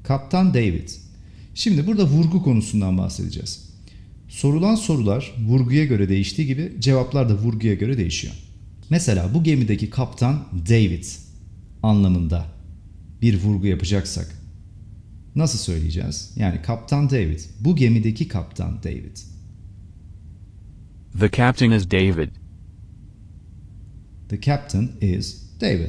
Kaptan David. Şimdi burada vurgu konusundan bahsedeceğiz. Sorulan sorular vurguya göre değiştiği gibi cevaplar da vurguya göre değişiyor. Mesela bu gemideki kaptan David anlamında bir vurgu yapacaksak nasıl söyleyeceğiz? Yani kaptan David, bu gemideki kaptan David. The captain is David. The captain is David.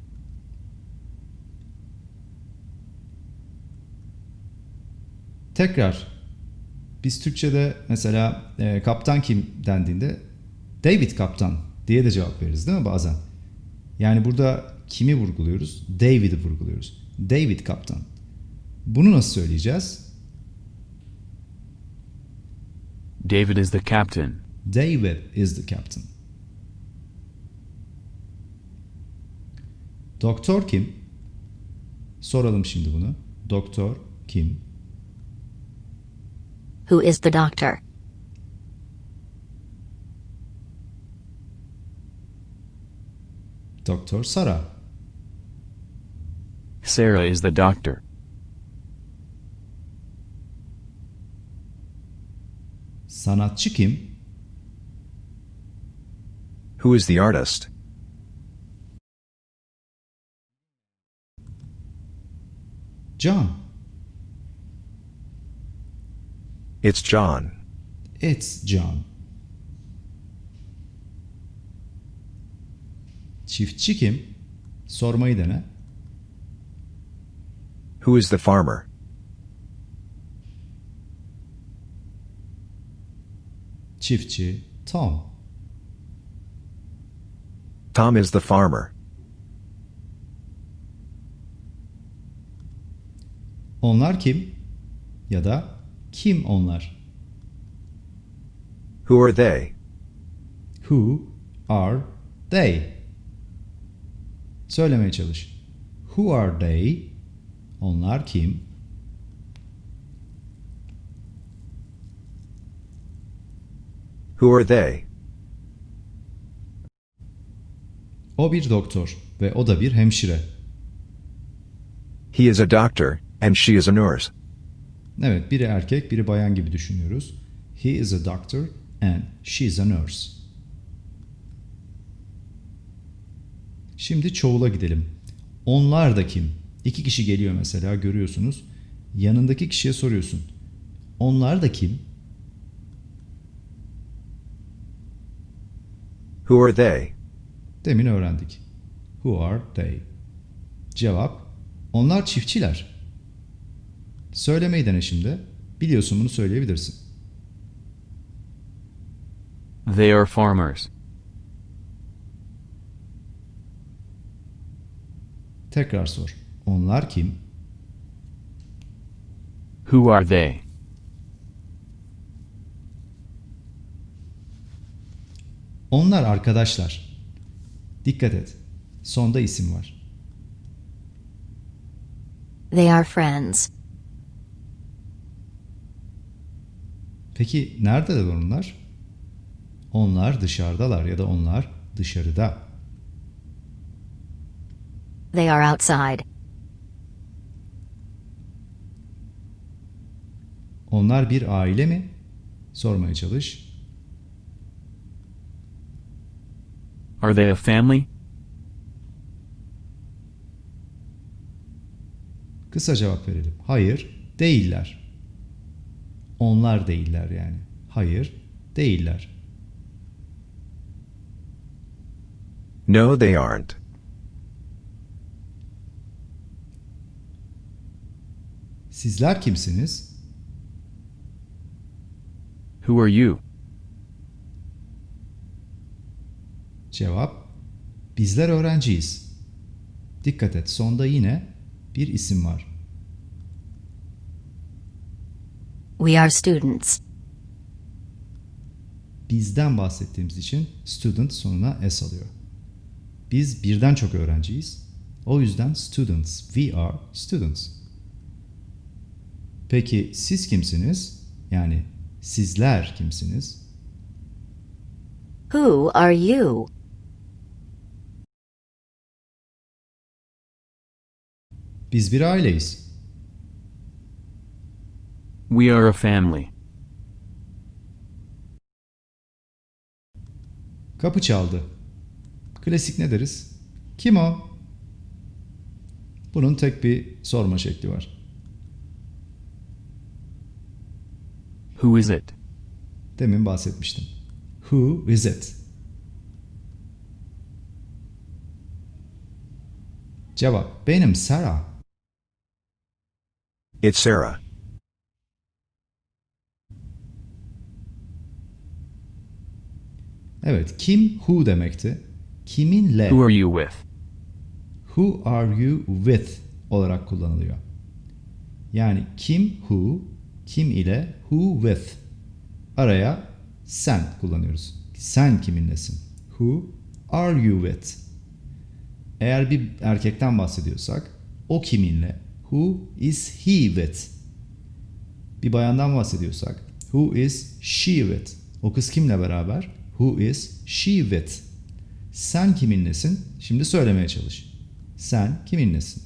Tekrar biz Türkçe'de mesela kaptan kim dendiğinde David kaptan diye de cevap veririz değil mi bazen? Yani burada kimi vurguluyoruz? David'i vurguluyoruz. David kaptan. Bunu nasıl söyleyeceğiz? David is the captain. David is the captain. Doktor kim? Soralım şimdi bunu. Doktor kim? Who is the doctor? Doktor Sara. Sarah is the doctor. Sanatçı kim? Who is the artist? John. It's John. It's John. Çiftçi kim? Sormayı dene. Who is the farmer? Çiftçi Tom. Tom is the farmer. Onlar kim? Ya da kim onlar? Who are they? Who are they? Söylemeye çalış. Who are they? Onlar kim? Who are they? O bir doktor ve o da bir hemşire. He is a doctor, and she is a nurse. Evet, biri erkek, biri bayan gibi düşünüyoruz. He is a doctor and she is a nurse. Şimdi çoğula gidelim. Onlar da kim? İki kişi geliyor mesela, görüyorsunuz. Yanındaki kişiye soruyorsun. Onlar da kim? Who are they? Demin öğrendik. Who are they? Cevap: onlar çiftçiler. Söylemeyi dene şimdi. Biliyorsun, bunu söyleyebilirsin. They are farmers. Tekrar sor. Onlar kim? Who are they? Onlar arkadaşlar. Dikkat et. Sonda isim var. They are friends. Peki neredeler onlar? Onlar dışarıdalar ya da onlar dışarıda. They are outside. Onlar bir aile mi? Sormaya çalış. Are they a family? Kısa cevap verelim. Hayır, değiller. Onlar değiller yani. Hayır, değiller. No, they aren't. Sizler kimsiniz? Who are you? Cevap: bizler öğrenciyiz. Dikkat et, sonda yine bir isim var. We are students. Bizden bahsettiğimiz için student sonuna s alıyor. Biz birden çok öğrenciyiz. O yüzden students. We are students. Peki siz kimsiniz? Yani sizler kimsiniz? Who are you? Biz bir aileyiz. We are a family. Kapı çaldı. Klasik ne deriz? Kim o? Bunun tek bir sorma şekli var. Who is it? Demin bahsetmiştim. Who is it? Cevap: benim Sarah. It's Sarah. Evet, kim who demekti. Kiminle Who are you with? who are you with olarak kullanılıyor. Yani kim who, kim ile who with. Araya sen kullanıyoruz. Sen kiminlesin? Who are you with? Eğer bir erkekten bahsediyorsak o kiminle? Who is he with? Bir bayandan bahsediyorsak who is she with? O kız kimle beraber? Who is she with? Sen kiminlesin? Şimdi söylemeye çalış. Sen kiminlesin?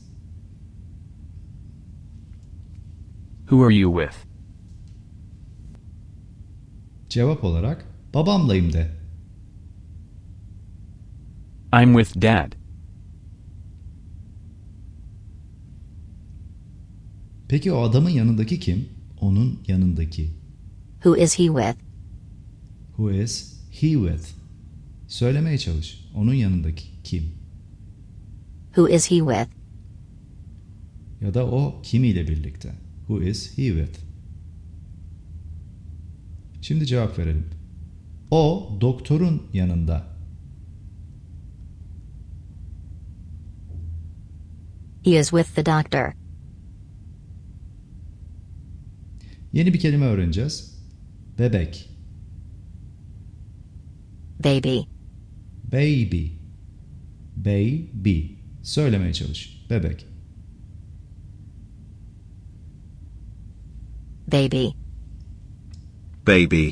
Who are you with? Cevap olarak babamlayım de. I'm with Dad. Peki o adamın yanındaki kim? Onun yanındaki. Who is he with? Who is he with? Söylemeye çalış. Onun yanındaki kim? Who is he with? Ya da o kimiyle birlikte? Who is he with? Şimdi cevap verelim. O doktorun yanında. He is with the doctor. Yeni bir kelime öğreneceğiz. Bebek. Baby. Baby. Baby. Söylemeye çalış. Bebek. Baby. Baby.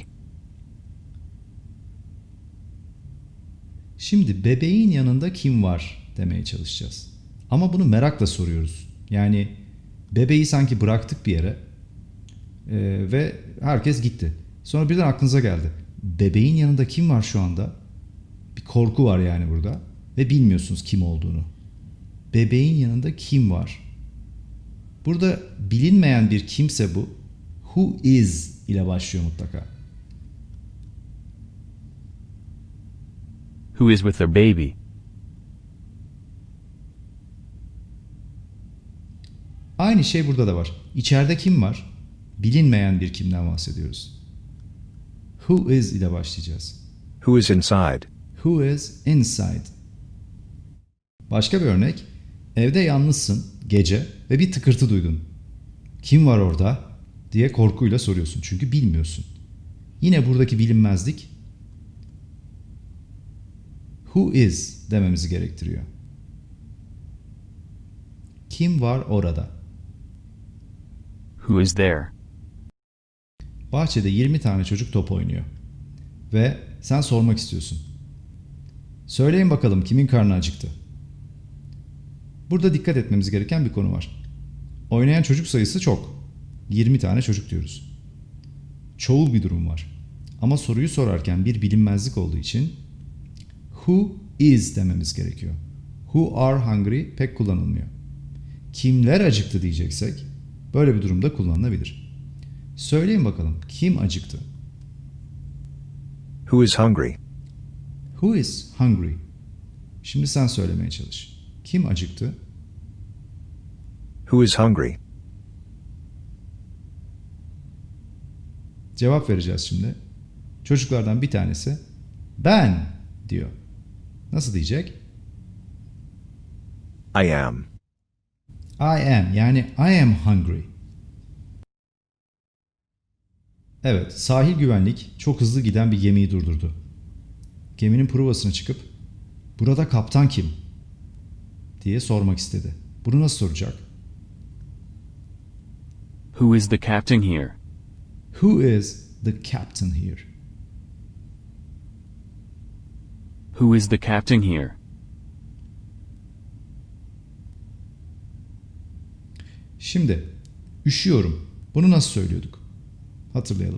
Şimdi bebeğin yanında kim var demeye çalışacağız. Ama bunu merakla soruyoruz. Yani bebeği sanki bıraktık bir yere ve herkes gitti. Sonra birden aklınıza geldi. Bebeğin yanında kim var şu anda? Bir korku var yani burada ve bilmiyorsunuz kim olduğunu. Bebeğin yanında kim var? Burada bilinmeyen bir kimse bu. Who is ile başlıyor mutlaka. Who is with their baby? Aynı şey burada da var. İçeride kim var? Bilinmeyen bir kimden bahsediyoruz. Who is ile başlayacağız. Who is inside? Who is inside? Başka bir örnek. Evde yalnızsın gece ve bir tıkırtı duydun. Kim var orada diye korkuyla soruyorsun çünkü bilmiyorsun. Yine buradaki bilinmezlik who is dememizi gerektiriyor. Kim var orada? Who is there? Bahçede 20 tane çocuk top oynuyor. Ve sen sormak istiyorsun. Söyleyin bakalım kimin karnı acıktı? Burada dikkat etmemiz gereken bir konu var. Oynayan çocuk sayısı çok. 20 tane çocuk diyoruz. Çoğul bir durum var. Ama soruyu sorarken bir bilinmezlik olduğu için who is dememiz gerekiyor. Who are hungry pek kullanılmıyor. Kimler acıktı diyeceksek böyle bir durumda kullanılabilir. Söyleyin bakalım kim acıktı? Who is hungry? Who is hungry? Şimdi sen söylemeye çalış. Kim acıktı? Who is hungry? Cevap vereceğiz şimdi. Çocuklardan bir tanesi ben diyor. Nasıl diyecek? I am. I am yani I am hungry. Evet, sahil güvenlik çok hızlı giden bir gemiyi durdurdu. Geminin provasına çıkıp burada kaptan kim diye sormak istedi. Bunu nasıl soracak? Who is the captain here? Who is the captain here? Who is the captain here? Şimdi üşüyorum. Bunu nasıl söylüyorduk? Hatırlayalım.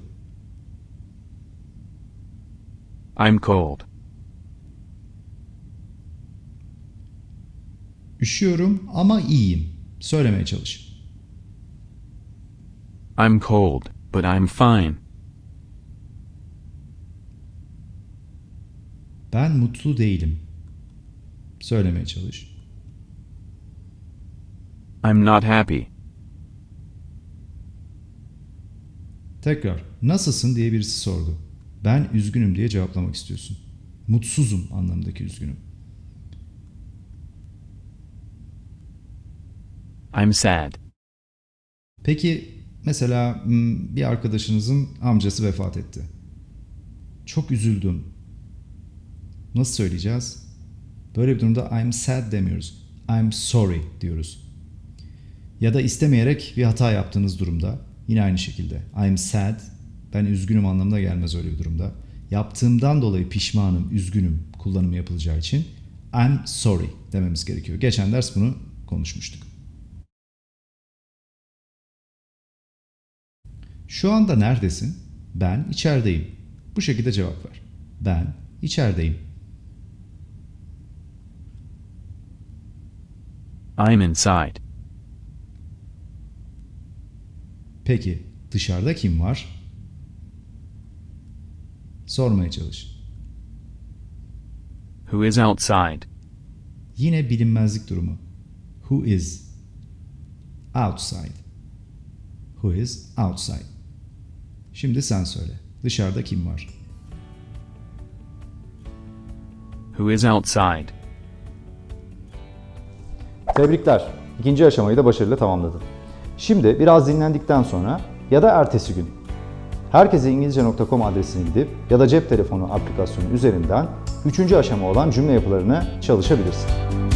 I'm cold. Üşüyorum ama iyiyim. Söylemeye çalış. I'm cold, but I'm fine. Ben mutlu değilim. Söylemeye çalış. I'm not happy. Tekrar nasılsın diye birisi sordu. Ben üzgünüm diye cevaplamak istiyorsun. Mutsuzum anlamındaki üzgünüm. I'm sad. Peki mesela bir arkadaşınızın amcası vefat etti. Çok üzüldüm. Nasıl söyleyeceğiz? Böyle bir durumda I'm sad demiyoruz. I'm sorry diyoruz. Ya da istemeyerek bir hata yaptığınız durumda yine aynı şekilde I'm sad, ben üzgünüm anlamına gelmez öyle bir durumda. Yaptığımdan dolayı pişmanım, üzgünüm kullanımı yapılacağı için I'm sorry dememiz gerekiyor. Geçen ders bunu konuşmuştuk. Şu anda neredesin? Ben içerideyim. Bu şekilde cevap ver. Ben içerideyim. I'm inside. Peki dışarıda kim var? Sormaya çalış. Who is outside? Yine bilinmezlik durumu. Who is outside? Who is outside? Şimdi sen söyle. Dışarıda kim var? Who is outside? Tebrikler. İkinci aşamayı da başarıyla tamamladın. Şimdi biraz dinlendikten sonra ya da ertesi gün herkeseingilizce.com adresine gidip ya da cep telefonu aplikasyonu üzerinden 3. aşama olan cümle yapılarını çalışabilirsin.